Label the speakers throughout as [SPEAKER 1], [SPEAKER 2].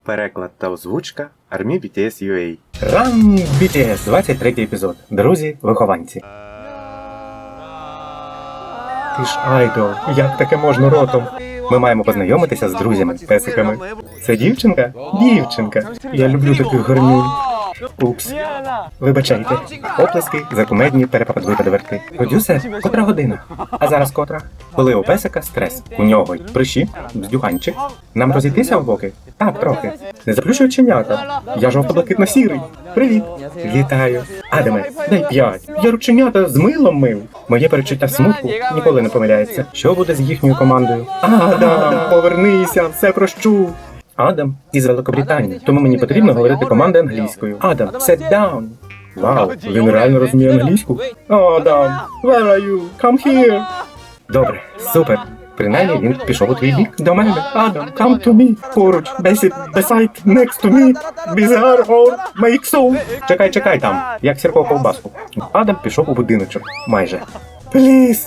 [SPEAKER 1] Переклад та озвучка Army BTS UA.
[SPEAKER 2] Run BTS, 23 епізод. Друзі-вихованці. Ти ж айдол, як таке можна ротом? Ми маємо познайомитися з друзями-песиками. Це дівчинка? Дівчинка. Я люблю таких гарнюнь. Упс. Вибачайте. Оплески за кумедні перепадвипадверти. Продюсер, котра година? А зараз котра? Коли у песика стрес. У нього й прищі, бздюганчик. Нам розійтися в боки? Так, трохи. Не заплющуй оченята. Я жовто-блакитно-сірий. Привіт. Вітаю. Адаме, дай 5. Я рученята з милом мив. Моє перечуття смутку ніколи не помиляється. Що буде з їхньою командою? Адам, повернися, все прощу. Адам із Великобританії, тому мені потрібно говорити команди англійською. Адам, sit down. Вау, він реально розуміє англійську? Адам, where are you? Come here. Добре, супер. Принаймні він пішов у твій бік. До мене. Адам, come to me. Поруч, beside, next to me. Bizarre or make so. Чекай там, як сірко ковбаску. Адам пішов у будиночок. Майже. Please,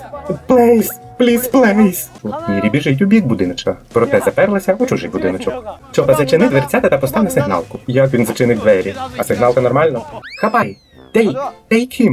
[SPEAKER 2] please. Мірі біжить у бік будиночка, проте заперлася у чужий будиночок. Чопа, зачини дверцята та постав на сигналку. Як він зачинив двері? А сигналка нормально? Хапай! Take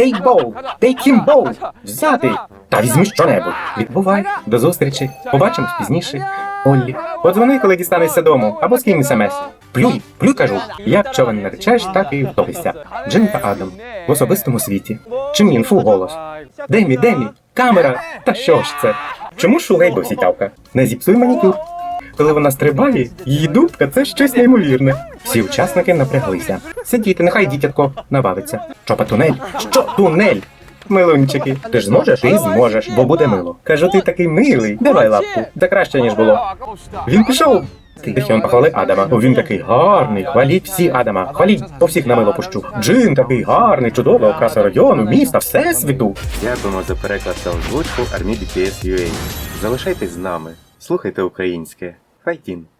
[SPEAKER 2] him bow! Взяти! Та візьми що-небудь! Відбувай! До зустрічі! Побачимось пізніше! Оллі, подзвони, коли дістанешся дому, або скинь смс. Плюй, кажу! Як човен наречеш, так і втопишся. Джин та Адам. В особистому світі. Чим інфу голос? Демі, камера! Та що ж це? Чому шугай досі тявка? Не зіпсуй манікюр. Коли вона стрибає, її дубка – це щось неймовірне. Всі учасники напряглися. Сидіти, нехай дітятко набавиться. Чопа, тунель? Що тунель? Милунчики, ти ж зможеш? Ти зможеш, бо буде мило. Кажу, ти такий милий. Давай лапку. Та краще, ніж було. Він пішов. Тихіон похвали Адама. Він такий гарний. Хваліть всі Адама. Хваліть, по всіх на мило пущу. Джин такий гарний, чудова окраса району, міста, всесвіту.
[SPEAKER 1] Дякуємо за переклад та озвучку Army BTS UA. Залишайтесь з нами. Слухайте українське. Файтін!